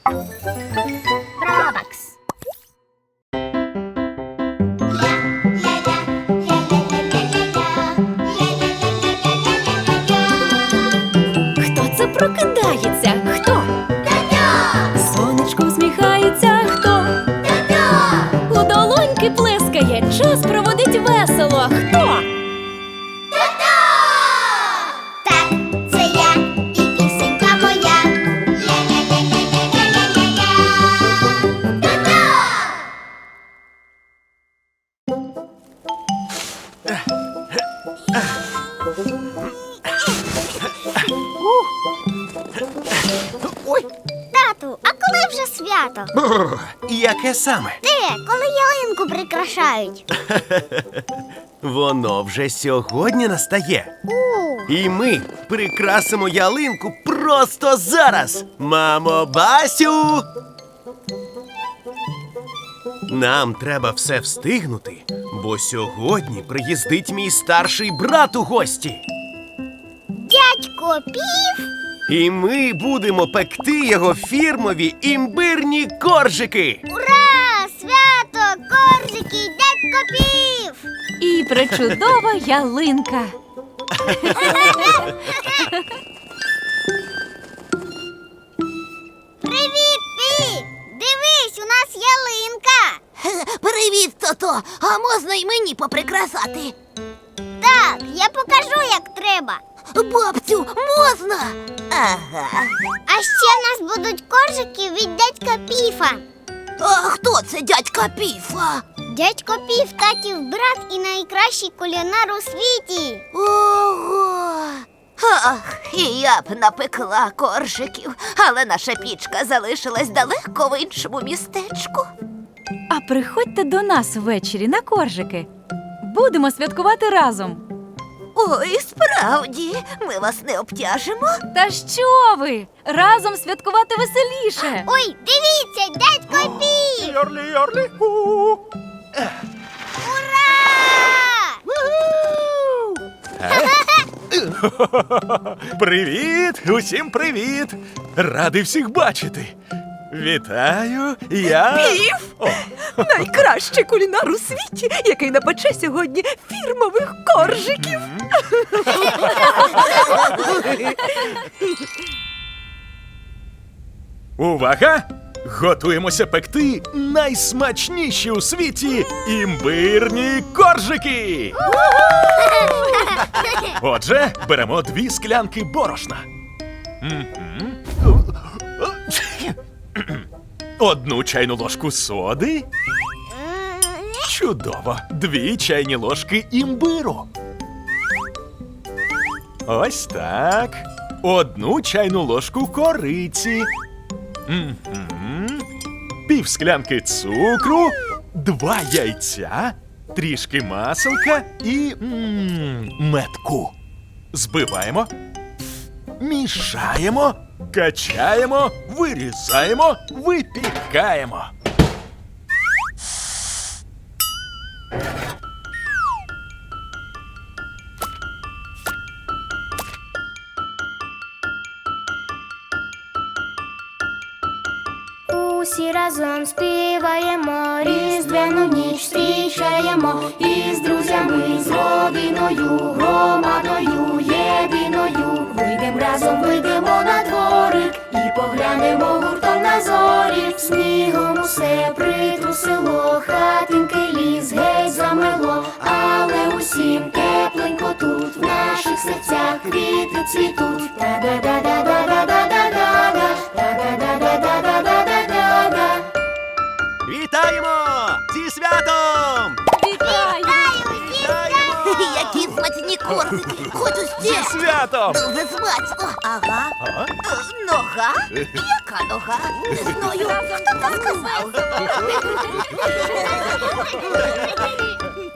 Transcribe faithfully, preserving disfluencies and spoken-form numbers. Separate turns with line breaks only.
Робакс.
Хто це прокидається? Хто? Сонечко всміхається? Хто? У долоньки плескає, час проводить весело. Хто?
Так, це я і пісенька моя. Ля-ля-ля-ля-ля-ля-ля-ля.
Ой,
Тату, а коли вже свято?
бррр, яке саме?
Де? Коли ялинку прикрашають?
Воно вже сьогодні настає.
У,
І ми прикрасимо ялинку просто зараз. Мамо, Басю! Нам треба все встигнути, бо сьогодні приїздить мій старший брат у гості.
дядько Пів?
І ми будемо пекти його фірмові імбирні коржики.
Ура! Свято! Коржики! Дядько Пів!
І пречудова ялинка.
Привіт, Пі! Дивись, у нас ялинка!
Привіт, Тото! А можна й мені поприкрасати?
Так, я покажу, як треба.
Бабцю, можна? Ага.
А ще в нас будуть коржики від дядька Піфа.
А хто це дядька Піфа?
Дядько Пів татів брат і найкращий кулінар у світі.
Ого! Ах, і я б напекла коржиків, але наша пічка залишилась далеко в іншому містечку.
А приходьте до нас ввечері на коржики. Будемо святкувати разом.
Ой, справді, ми вас не обтяжимо.
Та що ви? Разом святкувати веселіше.
Ой, дивіться, дядько Пів!
Йорлі-йорлі.
Ура!
Привіт! Усім привіт! Радий всіх бачити! Вітаю! Я...
Пів!
О,
Найкращий кулінар у світі, який напече сьогодні фірмових коржиків.
увага! Готуємося пекти найсмачніші у світі імбирні коржики! Отже, беремо дві склянки борошна. Мгм. Одну чайну ложку соди. Чудово! Дві чайні ложки імбиру. Ось так. Одну чайну ложку кориці. Мгм. Пів склянки цукру, два яйця, трішки маселка і м, медку. Збиваємо, мішаємо, качаємо, вирізаємо, випікаємо.
Усі разом співаємо, різдвяну ніч зустрічаємо, і з друзями, з родиною, громадою єдиною. Вийдем разом, вийдемо на дворик і поглянемо гуртом на зорі. Снігом усе притрусило, хатинки ліс геть замело, але усім тепленько тут, в наших серцях квіти цвітуть. Та-да-да-да-да-да-да-да-да, та-да-да-да-да-да-да-да.
Вітаємо! Зі святом!
Вітаю!
Вітаємо!
Які смачні коржики! Хочу
Зі
ще!
святом!
Дуже смачно! Ага.
А?
Е, Нога? Яка нога? Не знаю. Хто це сказав?